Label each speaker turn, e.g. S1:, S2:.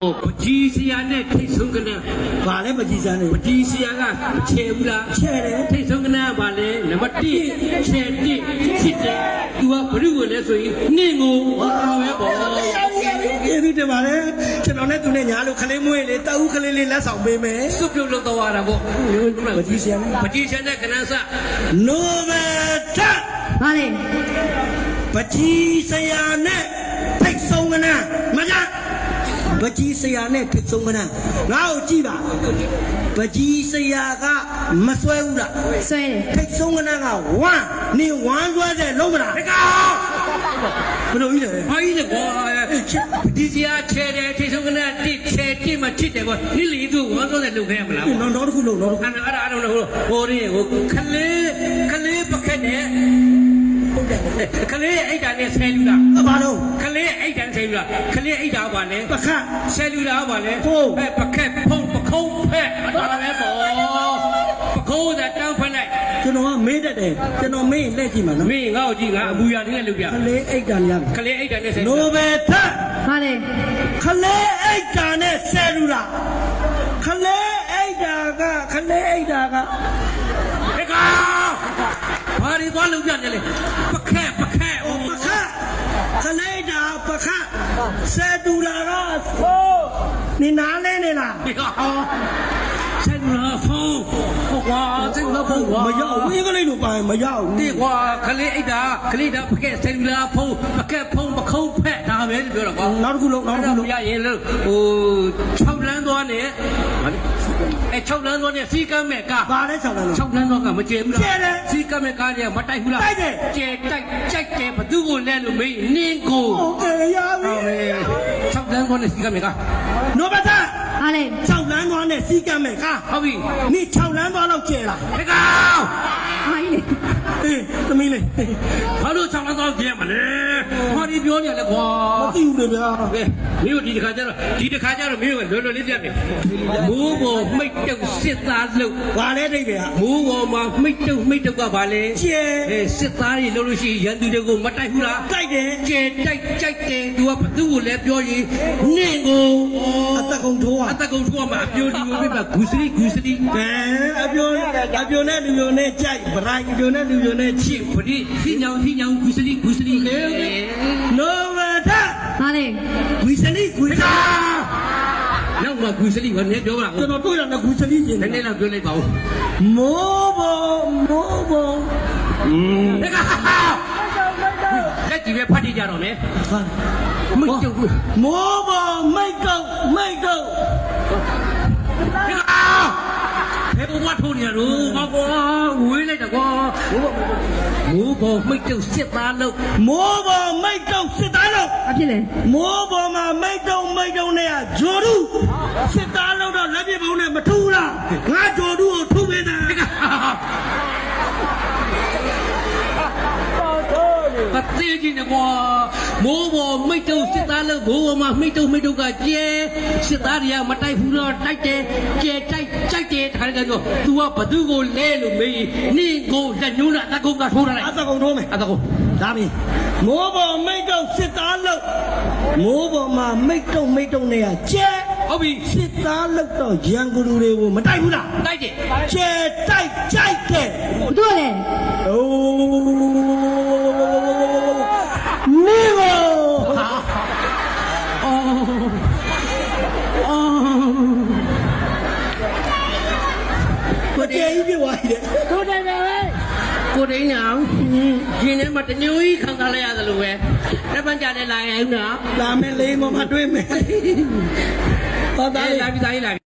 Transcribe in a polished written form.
S1: ပကြီးစရာနဲ့ထိတ်ဆုံးကန
S2: ဘာလဲပကြီးစရာနဲ့
S1: ပကြီးစရာကချဲဘူးလား
S2: ချဲတယ်
S1: ထိတ်ဆုံးကနကဘာလဲနံပါတ်1ချဲ1ချစ်တယ်သူကဘ누구ကိုလဲဆိုရင်နှင်းကိုဟောပဲပေါ့
S2: ကျေးဇူးတင်ပါတယ်ကျွန်တော်နဲ့သူနဲ့ညာလို့ခလေးမွေးလေတအုပ်ခလေးလေးလက်ဆောင်ပေးမယ်
S1: စွပြုတ်လောက်တော့ရတာပေါ့
S2: ပကြီးစရာနဲ့
S1: ပကြီးစရာနဲ့ကနစ
S2: နိုဘယ်ထ
S3: ဘာလဲ
S2: ပကြီးစရာနဲ့ထိတ်ဆုံးကနမကြပကြီးစရာနဲ့ထိတ်ဆုံးကနငါ့ကိုကြည့်ပါပကြီးစရာကမဆွဲဘူးလား
S3: ဆွဲတယ်
S2: ထိတ်ဆုံးကနကဝမ်းနေဝမ်းဆွဲတယ်လုံးမလား
S1: တကောင်
S2: ဘယ်လိုကြီးလဲ
S1: ဘာကြီးလဲကွာဒီစရာချဲတယ်ထိတ်ဆုံးကနတစ်ချဲတစ်မှချစ်တယ်ကွာနိလီသူဝမ်းစောတဲ့လုပ်ခဲ့ရမလား
S2: နောက်တစ်ခုလုံးနောက်တစ်ခု
S1: အဲ့ဒါဟိုဒီဟိုခလေးပခက်နဲ့ခလေးအိတ်တာနဲ့ဆယ်လူလား
S2: ဘာလို့
S1: ခလေးအိတ်တာဆယ်လူလားခလေးအိတ်တာပါလေ
S2: ပခတ်
S1: ဆယ်လူလားပါလေပခက်ဖုံးပခုံးဖက်အဲ့ဒါပဲပေါ့ပခုံးthatတောင်းဖက်လိုက်
S2: ကျွန်တော်ကမေးတတ်တယ်ကျွန်တော်မေးရင်လက်ကြည့်မှာနော်
S1: မေးငါ့ကိုကြည့်ငါအမူအရာတွေနဲ့လုပ်ပြ
S2: ခလေးအိတ်တာများ
S1: ခလေးအိတ်တာနဲ့ဆယ်
S2: နိုဘယ်ထ
S3: ဘာလဲ
S2: ခလေးအိတ်တာနဲ့ဆယ်လူလားခလေးအိတ်တာကခလေးအိတ်တာက
S1: ဒီကောင်ဘာတွေသွားလုပ်ပြနေလဲပခက်
S2: ပခတ်ခလေးတာပခတ်ဆယ်တူလာတော့သိုးနေနားလဲနေလား
S1: ဒီကောင်ဆယ်လူလားဖုံးဟုတ်ကွာဆယ်လူလားဖုံးကွာ
S2: မရောက်ဝင်းကလေးတို့ပါရင်မရောက်
S1: ဒီကွာခလေးအိတ်တာခလေးတာပခက်ဆယ်လူလားဖုံးပခက်ဖုံးပခုံးဖက်ဒါပဲပြောတော့ကွာ
S2: နောက်တစ်ခုလုံး
S1: ရရင်လို့ဟို6လမ်းသွားနေ6လမ်းသွားနေစီကမ်းမဲ့ကား
S2: ဘာလဲ6လမ်း
S1: 6လမ်းသွားကမကျေဘူးလား
S2: ကျေတယ်
S1: စီကမ်းမဲ့ကားတွေကမတိုက်ဘူးလား
S2: တိုက်တယ်
S1: ကျေတိုက်ကြိုက်တယ်ဘသူကိုလဲလို့မေးနင်းကို
S2: ဟုတ်ကဲ့ရပြီ
S1: 6လမ်းသွားနေစီကမ်းမဲ့ကား
S2: နိုဘတ်တာ
S3: ဟာလေ
S2: 6လမ်းသွားနေစီကမ်းမဲ့ကား
S1: ဟုတ်ပြီ
S2: နိ6လမ်းသွားတော့ကျေလား
S1: ဒီကောင်
S3: ဟာကြီးလေ
S2: အေးသမီးလေး
S1: ဘာလို့6လမ်းသွားကျေမလဲဘာဒီပြောနေလဲကွာ
S2: မသိဘူးလေဗျာ
S1: မင်းတို့ဒီတစ်ခါကျတော့မင်းတို့လွယ်လွယ်လေးပြမယ်မိုးပေါ်မိတ်တုပ်စစ်သားလို့
S2: ဘာလဲတိတ်က
S1: မိုးပေါ်မှာမိတ်တုပ်ကဘာလဲ
S2: ကျဲ
S1: စစ်သားတွေလို့ရှိရင်ရန်သူတွေကိုမတိုက်ဘူးလား
S2: တိုက်တယ်
S1: ကျဲတိုက်ကြိုက်တယ်သူကဘသူ့ကိုလည်းပြောရင်နင့်ကို
S2: အတကုံထိုး
S1: မှာအပြိုဒီကိုပြပါဂူစရီ
S2: အပြိုနဲ့လူမျိုးနဲ့ကြိုက်ဗရိုင်းအပြိုနဲ့လူမျိုးနဲ့ချစ်
S1: ပရိဖိညောင်ဂူစရီ
S2: နိုဝဒ
S3: ဟာလေ
S2: ဂူစရီ
S1: နောက်မှဂူစရီဘာနဲ့ပြောပါ
S2: ကျွန်တော်တို့ရတဲ့ဂူစရီရှင်
S1: နည်းနည်းတော့ပြောလိုက်ပါဦး
S2: မိုးဘုံ
S1: လက်ကြည့်ပဲဖတ်ကြည့်ကြတော့မယ်မိတ်တုပ်
S2: မိုးဘုံမိတ်တုပ်
S1: ဘယ်ဘဝထိုးနေရလို့ကွာဝေးလိုက်တော့ကွာမိုးပေါ်မိတ်တုပ်စစ်သားလို့
S2: မိုးပေါ်မိတ်တုပ်စစ်သားလို့
S3: အဖြစ်လေ
S2: မိုးပေါ်မှာမိတ်တုပ်နဲ့ဂျိုဒူစစ်သားလို့တော့လက်ပြပုံးနဲ့မထူးလားငါဂျိုဒူကိုထုပေးတာ
S1: ပသေးကြီးနဲ့ကွာမိုးပေါ်မိတ်တုပ်စစ်သားလို့မိုးပေါ်မှာမိတ်တုပ်ကကျဲစစ်သားတွေကမတိုက်ဘူးတော့တိုက်တယ်ကျဲတိုက်ကြိုက်တယ်တခါတည်းတော့ तू ကဘသူကိုလဲလို့မေးနင့်ကိုလက်ညှိုးနဲ့အတကုံကထိုးလိုက်
S2: အတကုံထိုးမယ်
S1: အတကုံ
S2: ဒါပြီမိုးပေါ်မိတ်တုပ်စစ်သားလို့မိုးပေါ်မှာမိတ်တုပ်နဲ့ကျဲ
S1: ဟုတ်ပြီ
S2: စစ်သားလို့တော့ရန်ကုန်လူတွေကိုမတိုက်ဘူးလား
S1: တိုက်တယ်
S2: ကျဲတိုက်ကြိုက်တယ်
S3: ဘသူလဲ
S2: အိုးနေကိုကိုတေးကြီးပြောရတယ်
S3: ကိုတေးပဲ
S1: ကိုတိန်ညာရှင်ထဲမှာတညိုကြီးခံစားလိုက်ရတယ်လို့ပဲတစ်ပတ်ကြာနေလာရင်နော်
S2: လာမယ်လေးမမတွေ့မယ်
S1: ဟောသားလေးလာပြီ